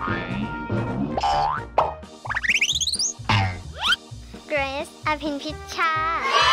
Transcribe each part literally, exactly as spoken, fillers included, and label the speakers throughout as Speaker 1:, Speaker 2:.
Speaker 1: เกรซอภินพิชชา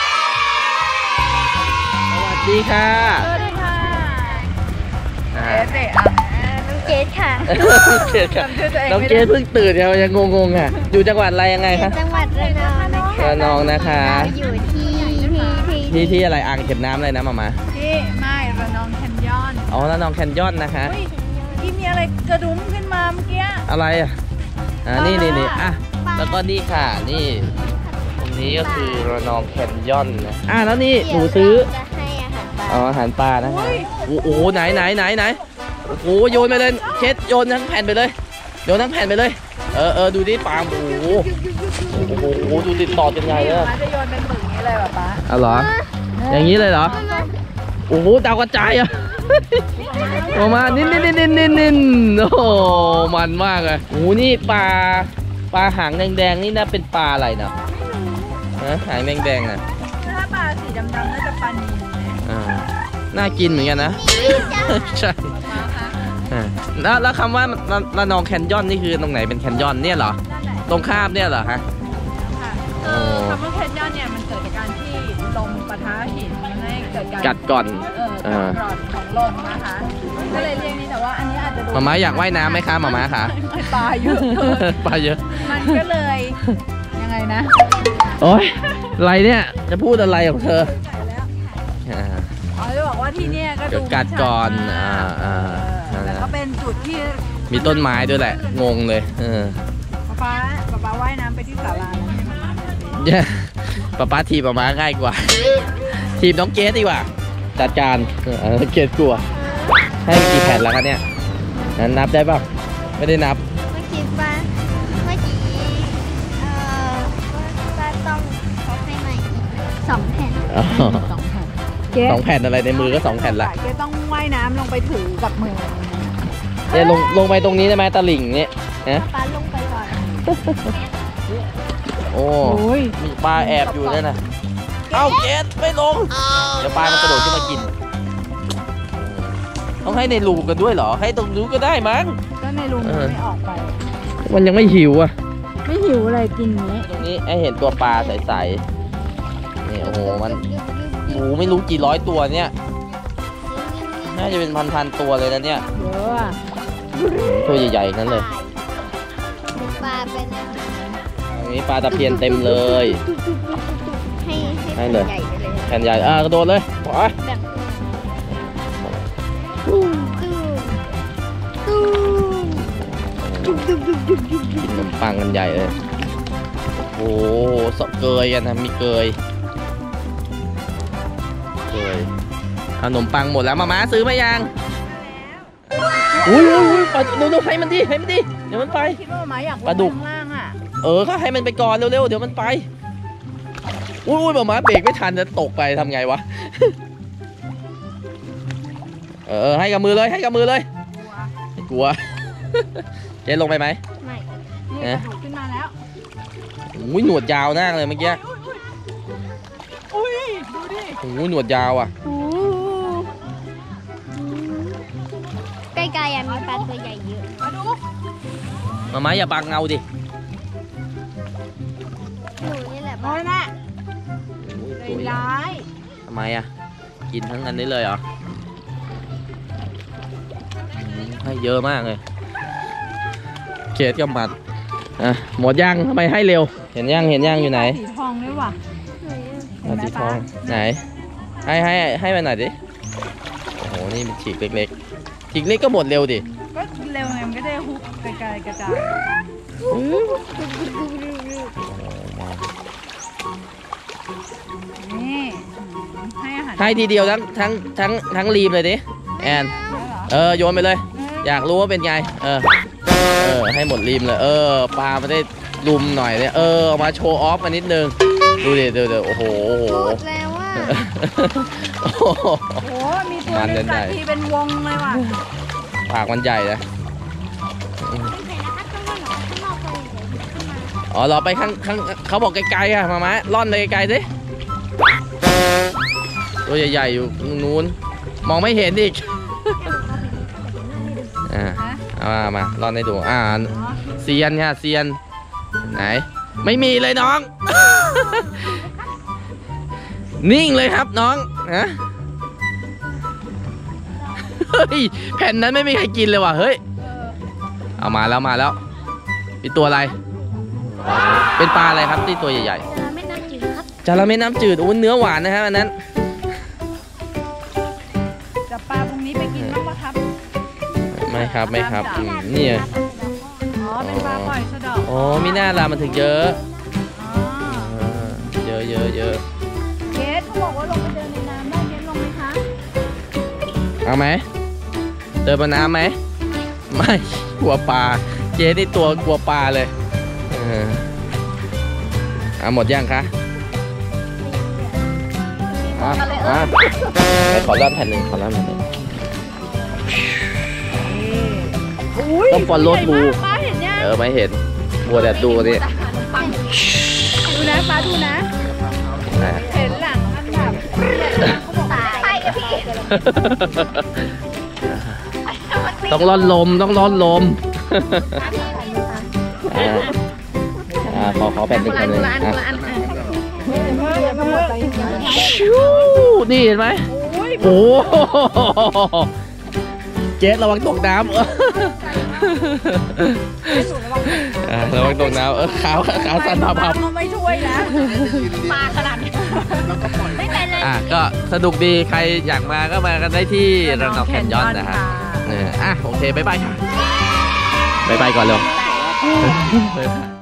Speaker 2: สวัสดีค่ะ
Speaker 3: สวัสดีค่ะเกรซเด็กอ่ะ
Speaker 1: น้องเกรซค่ะ
Speaker 2: เกรซค่ะน้องเกรซเพิ่งตื่นยังยังงงๆอ่ะอยู่จังหวัดอะไรยังไงคะ
Speaker 1: จังหวัดระนองนะคะ
Speaker 2: ระนองนะคะ
Speaker 1: อยู่ที่
Speaker 2: ที่ที่อะไรอ่างเก็บน้ำอะไรนะมามา
Speaker 3: ที่ไม่ระนองแคนยอน
Speaker 2: อ๋อระนองแคนยอนนะคะ
Speaker 3: ที่มีอะไรกระดุมขึ้นมาเมื่อกี้
Speaker 2: อะไรอ่ะอ่านี่นี่นี่อ่ะแล้วก็นี่ค่ะนี่ตรงนี้ก็คือระนองแคนยอนนะอ่ะแล้วนี่หนูซื้ออ๋ออาหารปลานะคะโอ้โหไหนไหนไหนไหนโอ้โหโยนไปเลยเช็ดโยนทั้งแผ่นไปเลยโยนทั้งแผ่นไปเลยเออเออดูดิปลาโอ้โหโอ้โหดูติดต่อกันไงเลย
Speaker 3: จะโยนเป็นหมึกนี้เลยป่ะป๊า
Speaker 2: อ๋อเหรออย่างนี้เลยเหรอโอ้โหดาวกระจายอ่ะออกมานินนินนินนินนินนินโอ้โหมันมากเลยโอ้โหนี่ปลาปลาหางแดงๆนี่น่าเป็นปลาอะไรเนาะฮะหางแดงๆน่ะ
Speaker 3: ถ้าปลาสีดำๆน่าจะปลานิล
Speaker 2: อ่าน่ากินเหมือนกันนะใช่แล้วแล้วคำว่าระนองแคนยอนนี่คือตรงไหนเป็นแคนยอนเนี่ยเหรอตรงข้ามเนี่ยเหรอฮะ
Speaker 3: คำว่าแคนยอนเนี่ยมันเกิดจากการที่ลมปะทะหินให้เกิดการ
Speaker 2: กัดก่อน
Speaker 3: เออกัดก่อนของลมนะคะก็เลยเรียกนี่แต่ว่าอันนี้อาจจะดู
Speaker 2: หม่าม้าอยากว่ายน้ำไหมคะหม่าม้าคะ
Speaker 3: ปลาเยอะ
Speaker 2: ปลาเยอะ
Speaker 3: มันก็เลยยังไงนะ
Speaker 2: โอ๊ยอะไรเนี่ยจะพูดอะไรของเธอ
Speaker 3: อ๋อจะบอกว่าที่นี่ก็ดู
Speaker 2: กัดก่อนอ่าอ่า
Speaker 3: แต่ก็เป็นจุดที่
Speaker 2: มีต้นไม้ด้วยแหละงงเลยเออ
Speaker 3: ป๊าป๊าป๊าว่ายน้ำไปที่ศาลา
Speaker 2: เนี่ยป๊าป๊าทีบป๊าม้าง่ายกว่าทีบน้องเกสดีกว่าจัดการเออเกสกลัวให้กี่แผ่นแล้วคะเนี่ยนั้นนับได้ป่ะไม่ได้นับ
Speaker 1: เมื่อกี้ป้าเมื่อกี้เอ่อป้าต้องเขาให้ใหม่สองแผ่น
Speaker 3: สองแผ่น
Speaker 2: สองแผ่นอะไรในมือก็สองแผ่นละ
Speaker 3: เกสต้องว่ายน้ำลงไปถือกับมือ
Speaker 2: เนี่ยลงลงไปตรงนี้ได้ไหมตะลิ่งเนี่ยนะ
Speaker 1: ป้าลงไปก่อน
Speaker 2: โอ้มีปลาแอบอยู่เนี่ยนะเอ้าเกสไม่ลงเดี๋ยวปลามันกระโดดขึ้นมากินต้องให้ในรูกันด้วยเหรอให้ตรงนู้นก็ได้มั้ง
Speaker 3: ก็ในรูมันไม่ออกไป
Speaker 2: มันยังไม่หิวอ่ะ
Speaker 3: ไม่หิวอะไรกินนี้
Speaker 2: ตรงนี้ให้เห็นตัวปลาใสๆนี่โอ้โหมันโอ้ไม่รู้กี่ร้อยตัวเนี่ยน่าจะเป็นพันๆตัวเลยนะเนี่ย
Speaker 3: เยอะ
Speaker 2: ตัวใหญ่ๆนั่นเลย
Speaker 1: ปลาเป็น
Speaker 2: ตรงนี้ปลาตะเพียนเต็มเลย
Speaker 1: ให้ให้เลย
Speaker 2: แผ่นใหญ่อ่ะกระโดดเลยไป
Speaker 1: ตู้ตู้ตู้ตู้ตู้ตู้ตู้
Speaker 2: กินขนมปังกันใหญ่เลยโอ้โหสเกยกันนะมีเกยเกยขนมปังหมดแล้วมาม้าซื้อมายังอุ้ยอุ้ยอุ้ยปลาดูดูให้มันดิให้มันดิเดี๋ยวมันไป
Speaker 3: คิดว่าหมาอยาก
Speaker 2: ปลาดุก
Speaker 3: ล่างอ่ะ
Speaker 2: เออก็ให้มันไปก่อนเร็วๆเดี๋ยวมันไปอุ้ยอุ้ยหมาเบรกไม่ทันจะตกไปทำไงวะเออให้กับมือเลยให้กับมือเลยไม่กลัวเจ๊ลงไปไหม
Speaker 3: ไม่นี่กระดูกขึ้นมาแล้ว
Speaker 2: อุ้ยหนวดยาวมากเลยเมื่อกี้
Speaker 3: อุ้ยดูดิ
Speaker 2: โอ้ยหนวดยาวอ่ะ
Speaker 1: ใกล้ๆมีปลาตัวใหญ่เยอะ
Speaker 3: มาดู
Speaker 2: มาม้าอย่าบังเงาดิ
Speaker 1: หนูนี่แหละ
Speaker 3: น้อยแม่ใจร้าย
Speaker 2: ทำไมอ่ะกินทั้งนั้นได้เลยเหรอให้เยอะมากเลยเกศกับมัดอ่ะหมดย่างทำไมให้เร็วเห็นย่างเห็นย่างอยู่ไหน
Speaker 3: สีทองด้วยว่ะ
Speaker 2: สีทองไหนให้ให้ให้ไปหน่อยดิโอ้โหนี่มันฉีกเล็กๆฉีกเล็กก็หมดเร็วดิ
Speaker 3: ก็เร็วไงมันก็ได้ฮุบกระจายกระจายนี่ให้อาหาร
Speaker 2: ให้ทีเดียวทั้งทั้งทั้งทั้งรีมเลยดิแอนเออโยนไปเลยอยากรู้ว่าเป็นไงเออเออให้หมดริมเลยเออปลาไม่ได้ลุมหน่อยเนี่ยเออมาโชว์ออฟมานิดนึงดูดิดูดิโอ้โห
Speaker 1: หมดแล้วว่ะ
Speaker 3: โอ้โหมีตัวนึงตัดทีเป็นวงเลยว่ะ
Speaker 2: ปากมันใหญ่นะอ๋อเราไปข้างข้างเขาบอกไกลๆอะมาม้าล่อนไปไกลๆสิตัวใหญ่ๆอยู่นู้นมองไม่เห็นอีกอ่าเอามามาลองให้ดูอ่าเซียนค่ะเซียนไหนไม่มีเลยน้อง นิ่งเลยครับน้องนะเฮ้ยแผ่นนั้นไม่มีใครกินเลยว่ะเฮ้ยเอามาแล้วมาแล้วเป็นตัวอะไร เป็นปลาอะไรครับที่ตัวใหญ่ๆ
Speaker 1: จระเข้น้ำจืดครับ
Speaker 2: จระเข้น้ำจืดโอ้เนื้อหวานนะครับอันนั้น
Speaker 3: จะปลาพวกนี้ไปกินบ้างปะครับ
Speaker 2: ไม่ครับไม่ครับอืมนี่ไง
Speaker 3: อ๋อเป็นปลาปล่อยสะเดอก
Speaker 2: อ๋อมีหน้าลามันถึงเยอะ
Speaker 3: อ๋อ
Speaker 2: อ่าเยอะเยอะเยอะ
Speaker 3: เกสเขาบอกว่าลงไปเดินในน้ำได้เกสลงไหมคะ
Speaker 2: เอาไหมเดินบนน้ำไหมไม่กลัวปลาเจ๊นี่ตัวกลัวปลาเลยเออเอาหมดยังคะอ่ะอ่ะให้ขอรอบแผ่นหนึ่งขอรอบแผ่นหนึ่ง
Speaker 3: อุ้ย
Speaker 2: ต้อง follow
Speaker 3: ใหญ่
Speaker 2: through
Speaker 3: มากปลาเห็นยัง
Speaker 2: เออไม่เห็นบัวแต่ดูนี่
Speaker 3: ดูนะปลาดูนะ
Speaker 2: อ่ะ
Speaker 3: เห็นหลังอันแบบเขาบอกว่า
Speaker 1: ใช่กับพี่
Speaker 2: ต้องร่อนลมต้องร่อนลมอ่าอ่าขอขอแผ่นหนึ่งแผ่นหนึ่งอ่ะชิวนี่เห็นไหม
Speaker 3: อุ้ย
Speaker 2: โอ้โหเจสระวังตกน้ำเอออ่าระวังตกน้ำเออขาวขาวสั่นพับพับ
Speaker 3: เขาไม่ช่วยนะปลาขนาดนี้ไม่เป็นเลย
Speaker 2: อ่ะก็สนุกดีใครอยากมาก็มากันได้ที่ระนองแคนยอนนะฮะเอออ่ะโอเคบ๊ายบายค่ะบ๊ายบายก่อนเร็วบ๊ายบาย